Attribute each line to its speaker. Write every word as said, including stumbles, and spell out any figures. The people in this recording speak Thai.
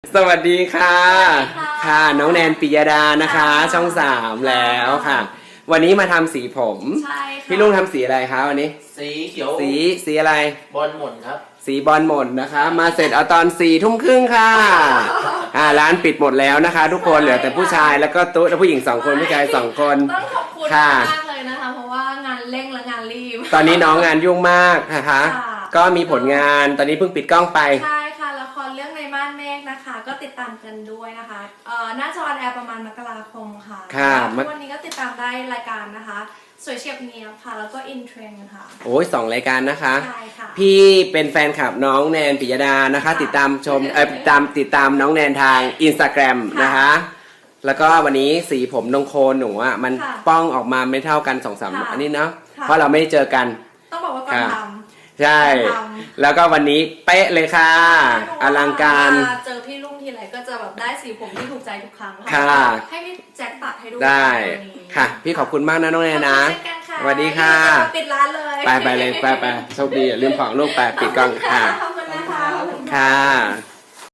Speaker 1: สวัสดีค่ะค่ะน้องแนนปิยดานะคะ
Speaker 2: ค่ะ
Speaker 1: ช่องสามแล้วค่ะ วันนี้มาทำสีผม
Speaker 2: ใช่ค่ะ
Speaker 1: พี่ลุงทำสีอะไรคะวันนี้
Speaker 3: สีเขียว
Speaker 1: สีสีอะไร
Speaker 3: บอลหม่นครับ
Speaker 1: สีบอลหม่นนะคะ มาเสร็จเอาตอนสี่ทุ่มครึ่งค่ะอ่าร้านปิดหมดแล้วนะคะ ทุกคนเหลือแต่ผู้ชายแล้วก็ตุ๊และผู้หญิงสองคนผู้ชายสองคน
Speaker 2: ต้องขอบคุณ
Speaker 1: ค่ะ
Speaker 2: มากเลยนะคะ เพราะว่างานเร่งและงานรีบ
Speaker 1: ตอนนี้น้องงานยุ่งมากนะคะ
Speaker 2: ค่ะ
Speaker 1: ก็มีผลงานตอนนี้เพิ่งปิดกล้องไป
Speaker 2: ใช่ค่ะละครเรื่องในม่านเมฆนะคะ ก็ติดตามกันด้วยนะคะเอ่อน่าจะออนแอร์ประมาณมกราคมค่ะ
Speaker 1: ค่ะ
Speaker 2: ทุกวันนี้ก็ติดตามได้รายการนะคะสวยเฉียบเนียบค่ะ แล้วก็อินเทรนด์ค่ะ
Speaker 1: โอ้ยสองรายการนะคะ
Speaker 2: ใช่ค่ะ
Speaker 1: พี่เป็นแฟนคลับน้องแนนปิยดานะคะ
Speaker 2: ค่ะ
Speaker 1: ติดตามชมเอ่อติดตามติดตามน้องแนนทางอินสตาแกรม
Speaker 2: ค่ะ
Speaker 1: นะคะ แล้วก็วันนี้สีผมตรงโคนหนูอ่ะมัน
Speaker 2: ค่ะ
Speaker 1: ป้องออกมาไม่เท่ากันสองสาม
Speaker 2: ค่ะ
Speaker 1: อันนี้เนาะ
Speaker 2: ค่ะ
Speaker 1: เพราะเราไม่ได้เจอกัน
Speaker 2: ต้องบอกว่าก่อน
Speaker 1: ค่ะ
Speaker 2: ท
Speaker 1: ใช่
Speaker 2: ท
Speaker 1: แล้วก็วันนี้เป๊ะเลยค่ะ
Speaker 2: ำ
Speaker 1: อลังการ
Speaker 2: เวลเจอพี่ลุงทีไรก็จะแบบได้สีผมที่ถูกใจทุกครั้ง
Speaker 1: ค่ะ
Speaker 2: ให้พี่แจ็คตัดให้ดู
Speaker 1: ได้
Speaker 2: วันนี้
Speaker 1: ค่ะ พี่ขอบคุณมากนะน้องแนนนะ
Speaker 2: ขอบคุณเช่นกันค่ะ
Speaker 1: สวัสดีค่ะ
Speaker 2: เดี๋ยวเราปิดร้านเลย
Speaker 1: ไปไปเลยไปไปโชคดีอย่าลืมของลูกไปปิดกล้องค่ะ
Speaker 2: ขอบคุณนะคะขอบคุณค่ะ
Speaker 1: ค่ะ